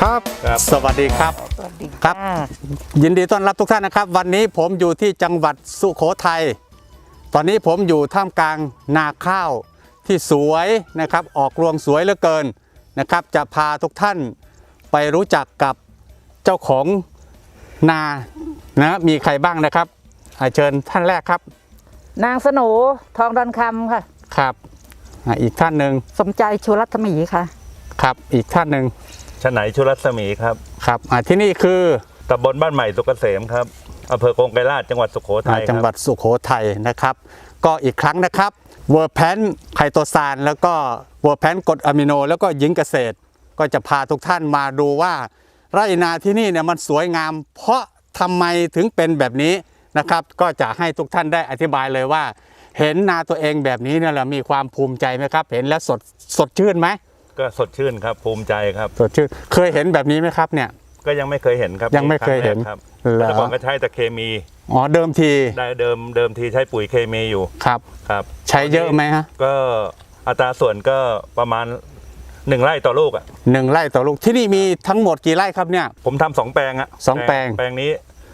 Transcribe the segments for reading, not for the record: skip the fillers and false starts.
ครับสวัสดีครับสวัสดีครับยินดีต้อนรับทุกท่านนะครับวันนี้ผมอยู่ที่จังหวัดสุโขทัยตอนนี้ผมอยู่ท่ามกลางนาข้าวที่สวยนะครับออกรวงสวยเหลือเกินนะครับจะพาทุกท่านไปรู้จักกับเจ้าของนานะมีใครบ้างนะครับเชิญท่านแรกครับนางสโหนทองดอนคำค่ะครับอีกท่านหนึ่งสมใจชูรัตมีค่ะครับอีกท่านหนึ่งชไหนชุรัศมีครับครับที่นี่คือตำบลบ้านใหม่สุกเกษมครับอำเภอโกงไกรลาษจังหวัดสุโขทัยจังหวัดสุโขทัยนะครับก็อีกครั้งนะครับเวอร์แพนไคโตซานแล้วก็เวอร์แพนกรดอะมิโนแล้วก็หญิงเกษตรก็จะพาทุกท่านมาดูว่าไร่นาที่นี่เนี่ยมันสวยงามเพราะทำไมถึงเป็นแบบนี้นะครับก็จะให้ทุกท่านได้อธิบายเลยว่าเห็นนาตัวเองแบบนี้เนี่ยเรามีความภูมิใจไหมครับเห็นแล้วสดชื่นไหมก็สดชื่นครับภูมิใจครับสดชื่นเคยเห็นแบบนี้ไหมครับเนี่ยก็ยังไม่เคยเห็นครับยังไม่เคยเห็นครับแต่ก่อนก็ใช้แต่เคมีเดิมทีได้เดิมทีใช้ปุ๋ยเคมีอยู่ครับครับใช้เยอะไหมฮะก็อัตราส่วนก็ประมาณ1 ไร่ต่อลูก 1 ไร่ต่อลูกที่นี่มีทั้งหมดกี่ไร่ครับเนี่ยผมทำ2 แปลง 2 แปลงแปลงนี้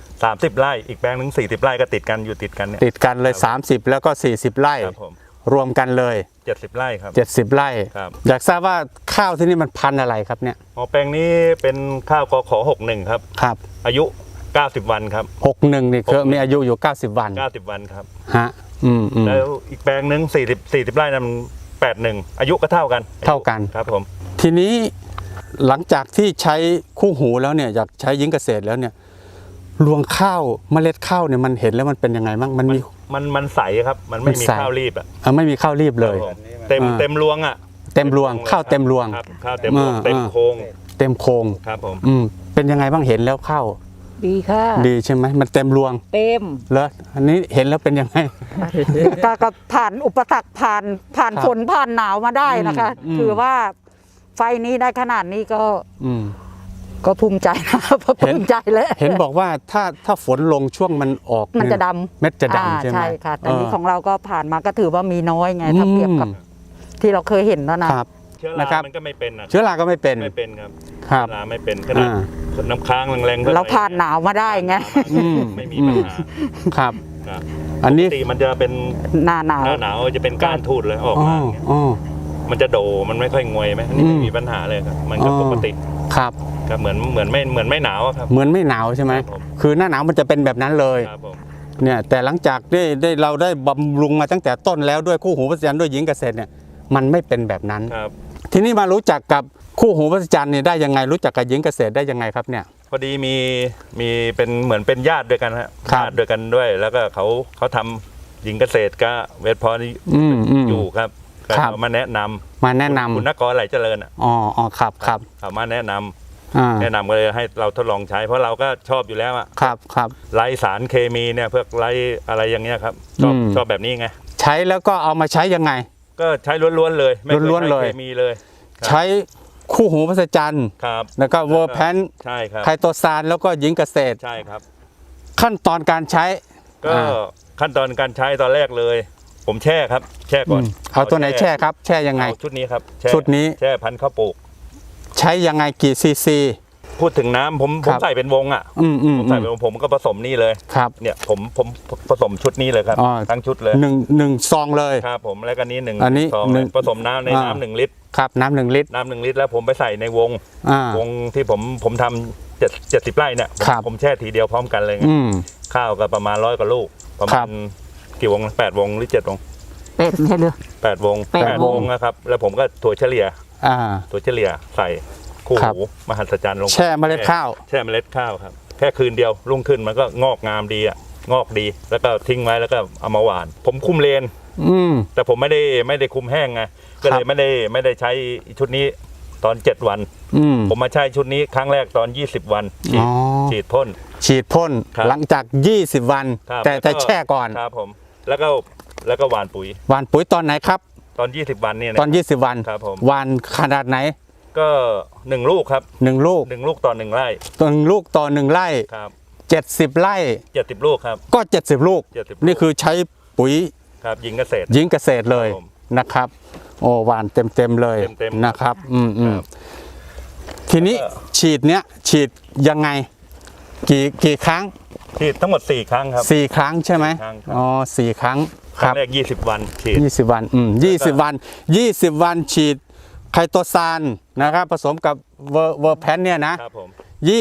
30 ไร่อีกแปลงนึง40 ไร่ก็ติดกันอยู่ติดกันเนี่ยติดกันเลย30แล้วก็40 ไร่รวมกันเลย 70 ไร่ครับ 70 ไร่อยากทราบว่าข้าวที่นี่มันพันธุ์อะไรครับเนี่ยแปลงนี้เป็นข้าวกข61ครับครับอายุ90 วันครับ 61นี่คือมีอายุอยู่90 วัน 90 วันครับฮะแล้วอีกแปลงนึง40 ไร่นั้น81อายุก็เท่ากันครับผมทีนี้หลังจากที่ใช้คู่หูแล้วเนี่ยอยากใช้หญิงเกษตรแล้วเนี่ยรวงข้าวเมล็ดข้าวเนี่ยมันเห็นแล้วมันเป็นยังไงบ้างมันใสครับมันไม่มีข้าวรีบไม่มีข้าวรีบเลยเต็มรวงเต็มรวงข้าวเต็มรวงข้าวเต็มรวงเต็มโค้งครับผมเป็นยังไงบ้างเห็นแล้วข้าวดีค่ะดีใช่ไหมมันเต็มรวงเต็มแล้วอันนี้เห็นแล้วเป็นยังไงก็ผ่านอุปสรรคผ่านฝนผ่านหนาวมาได้นะคะถือว่าไฟนี้ได้ขนาดนี้ก็ภูมิใจนะภูมิใจเลยเห็นบอกว่าถ้าฝนลงช่วงมันออกมันจะดำเม็ดจะดำใช่ไหมใช่ค่ะแต่นี้ของเราก็ผ่านมาก็ถือว่ามีน้อยไงถ้าเทียบกับที่เราเคยเห็นแล้วนะครับเชื้อรามันก็ไม่เป็นเชื้อราก็ไม่เป็นครับเชื้อราไม่เป็นขนาดน้ำค้างแรงๆเราผ่านหนาวมาได้ไงไม่มีปัญหาครับอันนี้มันจะเป็นหน้าหนาวจะเป็นก้านทูดเลยออกมามันจะโดมันไม่ค่อยงวยไหมอันนี้ไม่มีปัญหาเลยครับมันก็ปกติครับเหมือนไม่หนาวครับเหมือนไม่หนาวใช่ไหมคือหน้าหนาวมันจะเป็นแบบนั้นเลยเนี่ยแต่หลังจากเราได้บำรุงมาตั้งแต่ต้นแล้วด้วยคู่หูพัฒนาด้วยหญิงเกษตรเนี่ยมันไม่เป็นแบบนั้นทีนี้มารู้จักกับคู่หูพัฒนาเนี่ยได้ยังไงรู้จักกับหญิงเกษตรได้ยังไงครับเนี่ยพอดีมีเป็นเหมือนเป็นญาติด้วยกันฮะญาติด้วยกันด้วยแล้วก็เขาทำหญิงเกษตรก็เวทพออยู่ครับเขามาแนะนำคุณนกรไหลเจริญครับเขามาแนะนำก็เลยให้เราทดลองใช้เพราะเราก็ชอบอยู่แล้วครับไร้สารเคมีเนี่ยเพื่อไร้อะไรอย่างเงี้ยครับชอบแบบนี้ไงใช้แล้วก็เอามาใช้ยังไงก็ใช้ล้วนๆเลยไม่เคยมีเลยใช้คู่หูพัฒนาแล้วก็เวอร์แพนใช่ครับไคโตซานแล้วก็หญิงเกษตรใช่ครับขั้นตอนการใช้ก็ขั้นตอนการใช้ตอนแรกเลยผมแช่ก่อนเอาตัวไหนแช่ครับแช่ยังไงชุดนี้ครับชุดนี้แช่พันธุ์ข้าวปลูกใช้ยังไงกี่ซีซีพูดถึงน้ำผมใส่เป็นวงผมใส่เป็นวงผมก็ผสมนี่เลยครับเนี่ยผมผสมชุดนี้เลยครับทั้งชุดเลยหนึ่งซองเลยครับผมแล้วก็นี้ซองผสมน้ำในน้ำ1 ลิตรครับน้ำ1 ลิตรแล้วผมไปใส่ในวงที่ผมทำ70 ไร่เนี่ยผมแช่ทีเดียวพร้อมกันเลยข้าวก็ประมาณ100 กว่าลูกประมาณกี่วง8 วงหรือ7 วงไม่ใช่เลย 8 วงนะครับแล้วผมก็ถั่วเฉลี่ยใส่คู่หูมหัศจรรย์ลงแช่เมล็ดข้าวครับแค่คืนเดียวรุ่งขึ้นมันก็งอกงามดีงอกดีแล้วก็ทิ้งไว้แล้วก็เอามาหว่านผมคุมเลนแต่ผมไม่ได้คุมแห้งไงก็เลยไม่ได้ใช้ชุดนี้ตอน7 วันผมมาใช้ชุดนี้ครั้งแรกตอน20 วันฉีดพ่นหลังจาก20 วันแต่แช่ก่อนครับผมแล้วก็หว่านปุ๋ยตอนไหนครับตอน20 วันเนี่ยตอน20 วันครับผมหว่านขนาดไหนก็1 ลูกครับ 1 ลูกต่อ1 ไร่ 1 ลูกต่อ1 ไร่ครับ 70 ไร่ 70 ลูกครับก็70 ลูกนี่คือใช้ปุ๋ยครับหญิงเกษตรเลยนะครับโอ้หวานเต็มเลยนะครับททีนี้ฉีดเนี้ยฉีดยังไงกี่ครั้งฉีดทั้งหมด4 ครั้งครับ 4 ครั้งใช่ไหม 4 ครั้งครับอ๋อ4 ครั้งครั้งแรก20 วันฉีด 20 วัน20 วัน20 วันฉีดไคโตซานนะครับผสมกับเวอร์แพนเนี่ยนะครับผม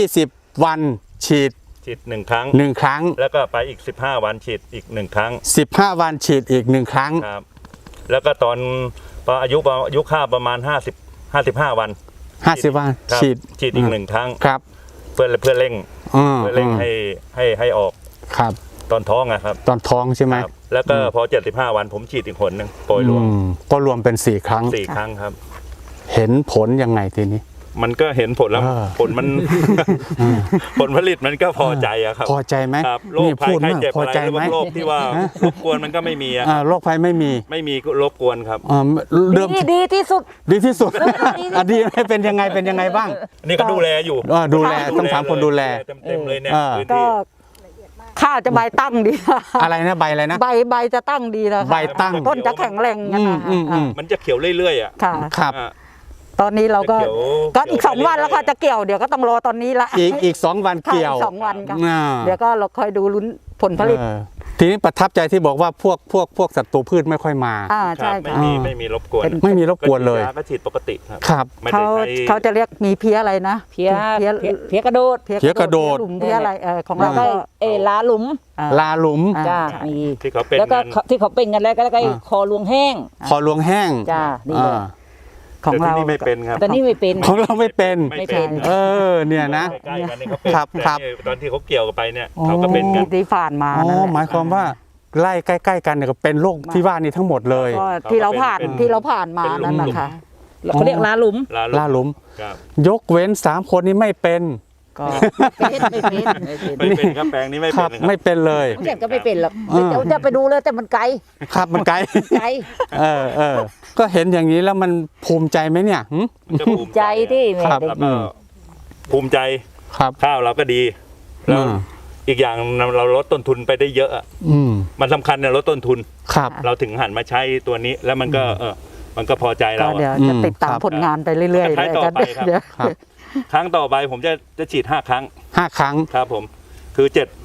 20 วันฉีดฉีด1 ครั้ง 1 ครั้งแล้วก็ไปอีก15 วันฉีดอีก1 ครั้ง 15 วันฉีดอีก1 ครั้งครับแล้วก็ตอนพออายุข้าวประมาณ55 วัน 50 วันครับฉีดอีก1 ครั้งครับเพื่อเร่งให้ออกครับตอนท้องอะครับตอนท้องใช่ไหมครับแล้วก็พอ75 วันผมฉีดอีกหนหนึ่งโปรยรวมก็รวมเป็น4 ครั้ง 4 ครั้งครับเห็นผลยังไงทีนี้มันก็เห็นผลแล้ว ผลมัน ผลผลิตมันก็พอใจอะครับพอใจไหมครับโรคนี่ภัยพูดไข้มากเจ็บพออะไรใจหรือไหมว่าโรคที่ว่ารบกวนมันก็ไม่มีอะโรคภัยไม่มีไม่มีรบกวนครับเริ่มดีที่สุดดีที่สุดอดีเป็นยังไงบ้างอันนี้ก็ดูแลอยู่ดูแลต้องถามคนดูแลเต็มเลยเนี่ยเออพื้นก็ที่ข้าวจะใบตั้งดีอะไรนะใบอะไรนะใบจะตั้งดีนะใบตั้งต้นจะแข็งแรงกันนะมันจะเขียวเรื่อยๆอ่ะค่ะครับอ่ะตอนนี้เราก็เขียวก็อีกเขียว 2 วันแล้วก็จะเกี่ยวเดี๋ยวก็ต้องรอตอนนี้ละอีก2 วันเกี่ยวค่ะอีก2 วันค่ะอ่าเดี๋ยวก็เราคอยดูลุ้นผลผลิตเออทีนี้ประทับใจที่บอกว่าพวกศัตรูพืชไม่ค่อยมาใช่ครับค่ะไม่มีรบกวนไม่มีรบกวนเลยก็ฉีดปกติครับครับไม่ได้เขาใช้เขาจะเรียกมีเพี้ยอะไรนะเพี้ยกระโดดเพี้ยกระโดดเพี้ยหลุมเพี้ยอะไรของแล้เราวก็ก็ลาหลุมลาหลุมจ้าใช่มีที่เขาเป็นแล้วก็นั้นที่เขาเป็นกันแล้วก็คอลวงแห้งคอหลวงแห้งจ้านี่เลยอ่าของแต่เราที่นี่ไม่เป็นครับแต่นี่ไม่เป็นของเราไม่เป็นไม่เป็นเออเนี่ยนะใกล้ๆกันเนี่ยเขาเป็นครับแต่ครับนี่ตอนที่เขาเกี่ยวกันไปเนี่ยอ๋อเขาก็เป็นกันที่ผ่านมาอ๋อนั่นแหละหมายความว่าไล่ใกล้ๆกันเนี่ยก็เป็นโรคที่ว่านี้ทั้งหมดเลยก็ที่เราผ่านมานั่นแหละค่ะเขาเรียกลาหลุมลาหลุมครับยกเว้น3 คนนี้ไม่เป็นก็ไม่เป็นไม่เป็นครับแปลงนี้ไม่คเป็รันบนะครับไม่เป็นเลยไม่ใช่ก็ไม่เป็นหรอกอ่าเดี๋ยวจะไปดูเลยแต่มันไกลครับมันไกลไกลเออก็เห็นอย่างนี้แล้วมันภูมิใจไหมเนี่ยหึมันจะภูมิใจที่อะแม่ครับได้แล้วก็ภูมิใจครับข้าวเราก็ดีแล้วอ่าอีกอย่างเราลดต้นทุนไปได้เยอะอะอืมมันสำคัญเนี่ยลดต้นทุนครับเราถึงหันมาใช้ตัวนี้แล้วมันก็มันก็พอใจก็เราเดี๋ยวอะจะติดตามครับผลงานไปเรื่อยๆก็ใช้ต่อไปครับเดี๋ยวครับครั้งต่อไปผมจะฉีด5 ครั้ง 5 ครั้งครับผมคือ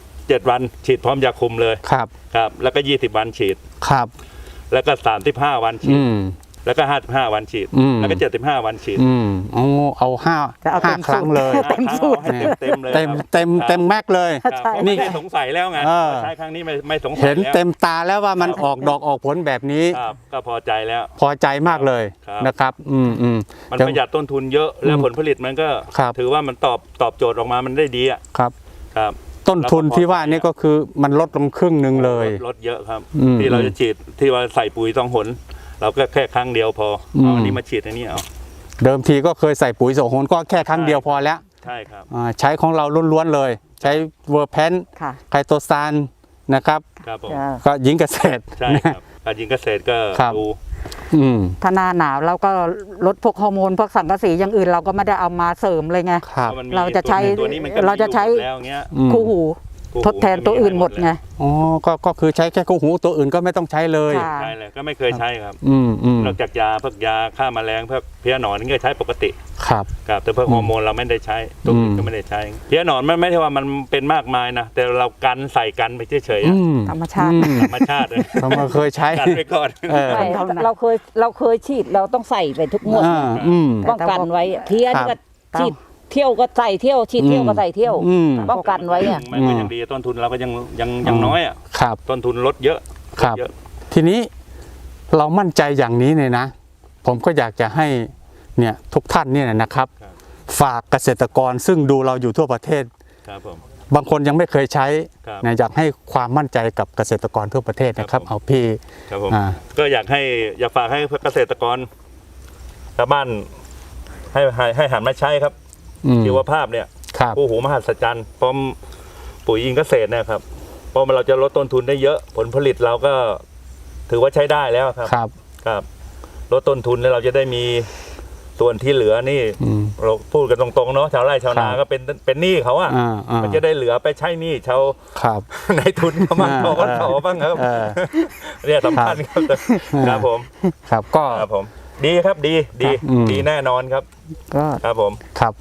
7 วันฉีดพร้อมยาคุมเลยครับครับแล้วก็20 วันฉีดครับแล้วก็35 วันฉีอืดมแล้วก็55 วันฉีดอืมแล้วก็75 วันฉีดเอาห้าจะเอาเต็มครั้งเลยเต็มสูตรเต็มเลยเต็มครับเต็มแม็กเลยครับใช่ผมไม่ได้สงสัยแล้วไงเออใช้ครั้งนี้ไม่สงสัยเห็นแล้วเต็มตาแล้วว่ามันออกดอกออกผลแบบนี้ครับก็พอใจแล้วพอใจมากเลยครับนะครับมันประหยัดต้นทุนเยอะแล้วผลผลิตมันก็ครับถือว่ามันตอบโจทย์ออกมามันได้ดีอ่ะครับครับต้นทุนที่ว่านี่ก็คือมันลดลงครึ่งหนึ่งเลยลดเยอะครับอืมที่เราจะฉีดที่ว่าใส่ปุ๋ยต้องหน เราก็แค่ครั้งเดียวพอเอาอันนี้มาฉีดอันนี้เอาเดิมทีก็เคยใส่ปุ๋ยโสโหนก็แค่ครั้งเดียวพอแล้วใช่ครับใช้ของเราล้วนๆเลย ใช้เวอร์แพนค่ะไคโตซานนะครับครับผมจ้าก็ยิงเกษตรใช่ครับการยิงเกษตรก็ครับดูอืมถ้าหน้าหนาวเราก็ลดพวกฮอร์โมนพวกสังกะสีอย่างอื่นเราก็ไม่ได้เอามาเสริมเลยไงครับพมันมีเราจะใช้ตัวนี้มันก็เราจะใช้มีอยู่แล้วเงี้ยอืมคู่หูคู่หูทดแทนตัวอื่นหมดไงอ๋อก็คือใช้แค่คู่หูตัวอื่นก็ไม่ต้องใช้เลยค่ะใช่เลยก็ไม่เคยใช้ครับอืมนอกจากยาพวกยาฆ่าแมลงพวกเพี้ยหนอนนี่ก็ใช้ปกติครับครับแต่พวกฮอร์โมนเราไม่ได้ใช้ตัวอื่นก็ไม่ได้ใช้เพี้ยหนอนมันไม่ใช่ว่ามันเป็นมากมายนะแต่เรากันใส่กันไปเฉยๆอือะมธรรมชาติธรรมชาติเลยเรามาเคยใช้กันไปก่อนเออใช่เราเคยฉีดเราต้องใส่ไปทุกงวดอืมป้องกันไว้เพี้ยนี่ครัก็บฉีดเที่ยวก็ใส่เที่ยวฉีดเที่ยวก็ใส่เที่ยวอืมป้องกันไว้อะมันก็ยังดีต้นทุนเราก็ยังน้อยอ่ะครับต้นทุนลดเยอะครับลดเยอะทีนี้เรามั่นใจอย่างนี้เนี่ยนะ ผมก็อยากจะให้เนี่ยทุกท่านเนี่ยนะครับ ฝากเกษตรกรซึ่งดูเราอยู่ทั่วประเทศครับผมบางคนยังไม่เคยใช้ครับนะอยากให้ความมั่นใจกับเกษตรกรทั่วประเทศนะครับครับผมเอาพี่ครับผมอ่าก็อยากฝากให้เกษตรกรชาวบ้านให้หันมาใช้ครับ ชีวภาพเนี่ยครับคู่หูมหัศจรรย์พร้อมปุ๋ยอินเกษตรเนี่ยครับเพราะมันเราจะลดต้นทุนได้เยอะผลผลิตเราก็ถือว่าใช้ได้แล้วครับครับครับลดต้นทุนแล้วเราจะได้มีส่วนที่เหลือนี่อืมเราพูดกันตรงๆเนาะชาวไร่ชาวนาครับก็เป็นหนี้เขาอะอ่ามันจะได้เหลือไปใช้หนี้ชาวครับในทุนเขาบ้างอ่าเขาก็บ้างครับเออเนี่ยสำคัญครับครับผมครับก็ครับผม ดีครับดีอืมดีแน่นอนครับก็ครับผมครับ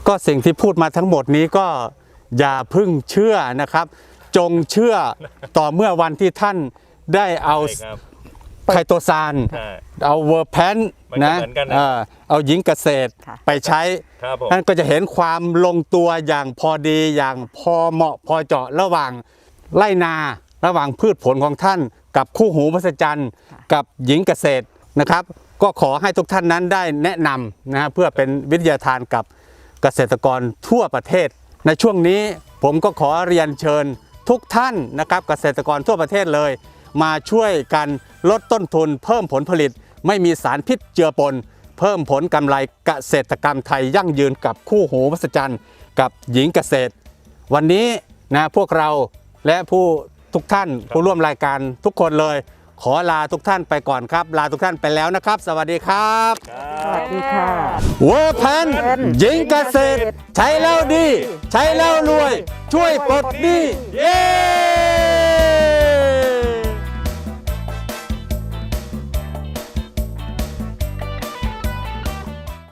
ก็สิ่งที่พูดมาทั้งหมดนี้ก็อย่าเพึ่งเชื่อนะครับ จงเชื่อต่อเมื่อวันที่ท่านได้เอาใช่ครับไคโตซานใช่เอาเวอร์แพนมันก็นะเหมือนกันนะเอาหญิงเกษตรค่ะไปใช้ครับผมท่านก็จะเห็นความลงตัวอย่างพอดีอย่างพอเหมาะพอเจาะระหว่างไร่นาระหว่างพืชผลของท่านกับคู่หูมหัศจรรย์กับหญิงเกษตรนะครับ ก็ขอให้ทุกท่านนั้นได้แนะนำนะเพื่อเป็นวิทยาทานกับเกษตรกรทั่วประเทศ ในช่วงนี้ผมก็ขอเรียนเชิญทุกท่านนะครับเกษตรกรทั่วประเทศเลย มาช่วยกันลดต้นทุนเพิ่มผลผลิต ไม่มีสารพิษเจือปน เพิ่มผลกำไรเกษตรกรรมไทยยั่งยืนกับคู่หูมหัศจรรย์กับหญิงเกษตร วันนี้นะพวกเราและผู้ทุกท่านผู้ร่วมรายการทุกคนเลย ขอลาทุกท่านไปก่อนครับ ลาทุกท่านไปแล้วนะครับ สวัสดีครับสวัสดีค่ะเวอร์แพนหญิงเกษตร ใช้แล้วดี ใช้แล้วรวย ช่วยปลดหนี้เย้